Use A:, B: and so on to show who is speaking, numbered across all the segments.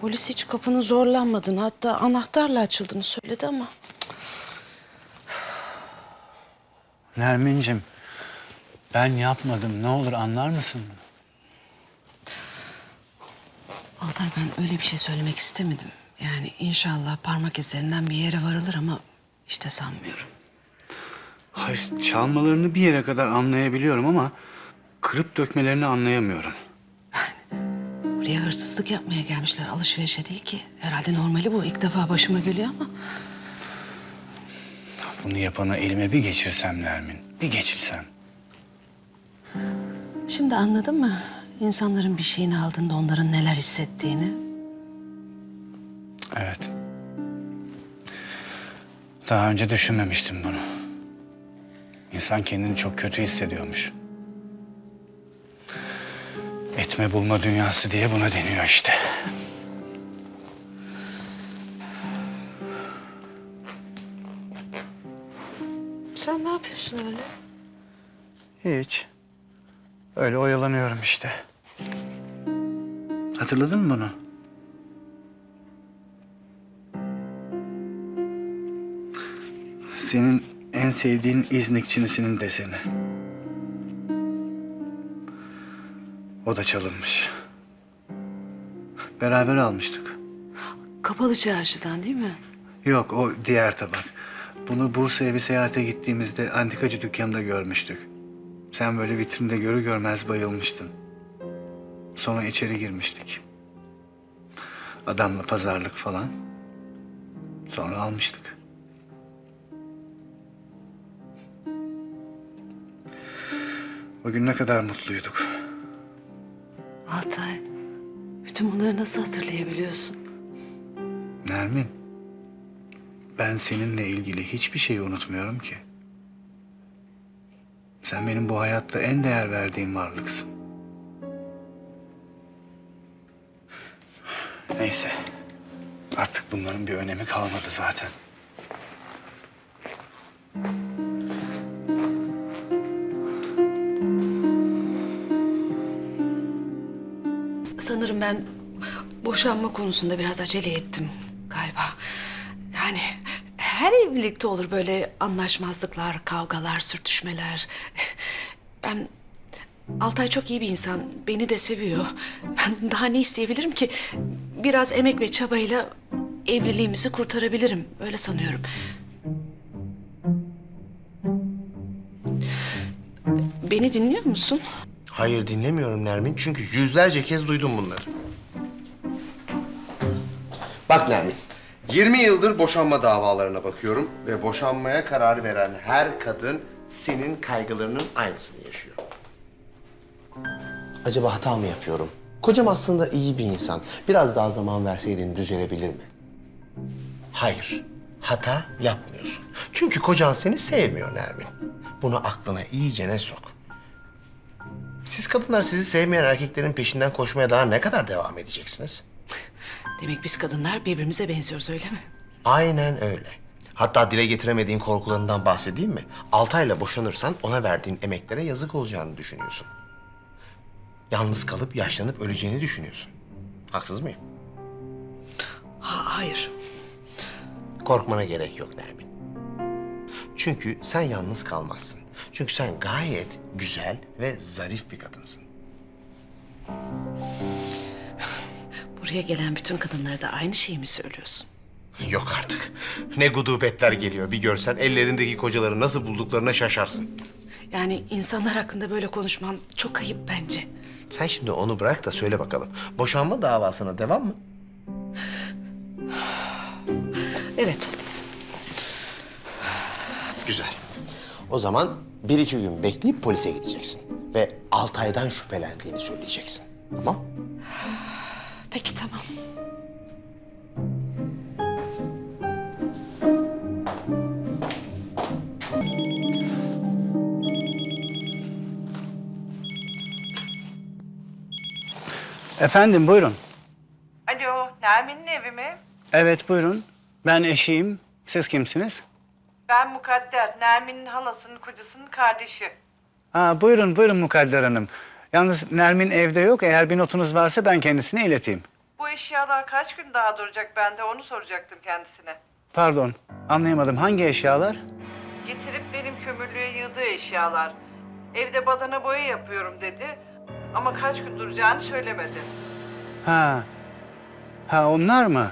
A: Polis hiç kapının zorlanmadığını, hatta anahtarla açıldığını söyledi ama...
B: Nermin'cim, ben yapmadım. Ne olur anlar mısın?
A: Altay, ben öyle bir şey söylemek istemedim. Yani inşallah parmak izlerinden bir yere varılır ama işte sanmıyorum.
B: Hayır, çalmalarını bir yere kadar anlayabiliyorum ama kırıp dökmelerini anlayamıyorum.
A: Buraya hırsızlık yapmaya gelmişler, alışverişe değil ki. Herhalde normali bu. İlk defa başıma geliyor ama...
B: Bunu yapana elime bir geçirsem Nermin, bir geçirsem.
A: Şimdi anladın mı? İnsanların bir şeyini aldığında onların neler hissettiğini.
B: Evet. Daha önce düşünmemiştim bunu. İnsan kendini çok kötü hissediyormuş. Etme bulma dünyası diye buna deniyor işte.
A: Sen ne yapıyorsun öyle?
B: Hiç. Öyle oyalanıyorum işte. Hatırladın mı bunu? Senin en sevdiğin İznik Çinisi'nin deseni. O da çalınmış. Beraber almıştık.
A: Kapalı çarşıdan değil mi?
B: Yok, o diğer tabak. Bunu Bursa'ya bir seyahate gittiğimizde antikacı dükkanında görmüştük. Sen böyle vitrinde görür görmez bayılmıştın. Sonra içeri girmiştik. Adamla pazarlık falan. Sonra almıştık. O gün ne kadar mutluyduk.
A: Altay, bütün bunları nasıl hatırlayabiliyorsun?
B: Nermin, ben seninle ilgili hiçbir şeyi unutmuyorum ki. Sen benim bu hayatta en değer verdiğim varlıksın. Neyse, artık bunların bir önemi kalmadı zaten.
A: Sanırım ben boşanma konusunda biraz acele ettim galiba. Yani her evlilikte olur böyle anlaşmazlıklar, kavgalar, sürtüşmeler. Ben... Altay çok iyi bir insan, beni de seviyor. Ben daha ne isteyebilirim ki? Biraz emek ve çabayla evliliğimizi kurtarabilirim, öyle sanıyorum. Beni dinliyor musun?
C: Hayır dinlemiyorum Nermin çünkü yüzlerce kez duydum bunları. Bak Nermin, 20 yıldır boşanma davalarına bakıyorum ve boşanmaya karar veren her kadın senin kaygılarının aynısını yaşıyor. Acaba hata mı yapıyorum? Kocam aslında iyi bir insan. Biraz daha zaman verseydin düzelebilir mi? Hayır, hata yapmıyorsun. Çünkü kocan seni sevmiyor Nermin. Bunu aklına iyicene sok. Siz kadınlar sizi sevmeyen erkeklerin peşinden koşmaya daha ne kadar devam edeceksiniz?
A: Demek biz kadınlar birbirimize benziyoruz, öyle mi?
C: Aynen öyle. Hatta dile getiremediğin korkularından bahsedeyim mi? Altay'la boşanırsan ona verdiğin emeklere yazık olacağını düşünüyorsun. Yalnız kalıp yaşlanıp öleceğini düşünüyorsun. Haksız mıyım?
A: Hayır.
C: Korkmana gerek yok Nermin. Çünkü sen yalnız kalmazsın. Çünkü sen gayet güzel ve zarif bir kadınsın.
A: Buraya gelen bütün kadınlara da aynı şeyi mi söylüyorsun?
C: Yok artık. Ne gudubetler geliyor. Bir görsen ellerindeki kocaları nasıl bulduklarına şaşarsın.
A: Yani insanlar hakkında böyle konuşman çok ayıp bence.
C: Sen şimdi onu bırak da söyle bakalım. Boşanma davasına devam mı?
A: Evet.
C: Güzel. O zaman bir iki gün bekleyip polise gideceksin. Ve Altay'dan şüphelendiğini söyleyeceksin. Tamam?
A: Peki, tamam.
B: Efendim, buyurun.
D: Alo, Nermin'in evi mi?
B: Evet, buyurun. Ben eşiyim. Siz kimsiniz?
D: Ben Mukadder, Nermin'in halasının kocasının kardeşi.
B: Buyurun Mukadder Hanım. Yalnız Nermin evde yok. Eğer bir notunuz varsa ben kendisine ileteyim.
D: Bu eşyalar kaç gün daha duracak, ben de onu soracaktım kendisine.
B: Pardon, anlayamadım. Hangi eşyalar?
D: Getirip benim kömürlüğe yığdığı eşyalar. Evde badana boya yapıyorum dedi. Ama kaç gün duracağını söylemedi.
B: Ha. Ha, onlar mı?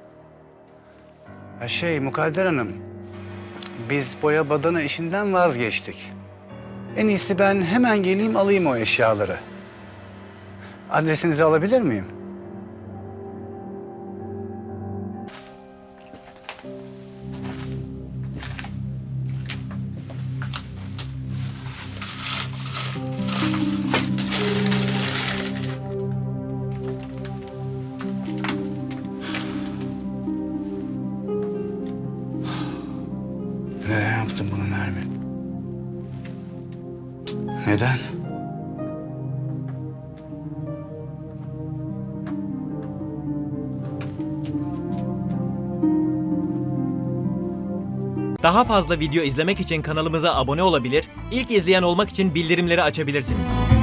B: Ha, Mukadder Hanım. Biz boya badana işinden vazgeçtik. En iyisi ben hemen geleyim alayım o eşyaları. Adresinizi alabilir miyim? Neden yaptın bunu Nermin? Neden?
E: Daha fazla video izlemek için kanalımıza abone olabilir, ilk izleyen olmak için bildirimleri açabilirsiniz.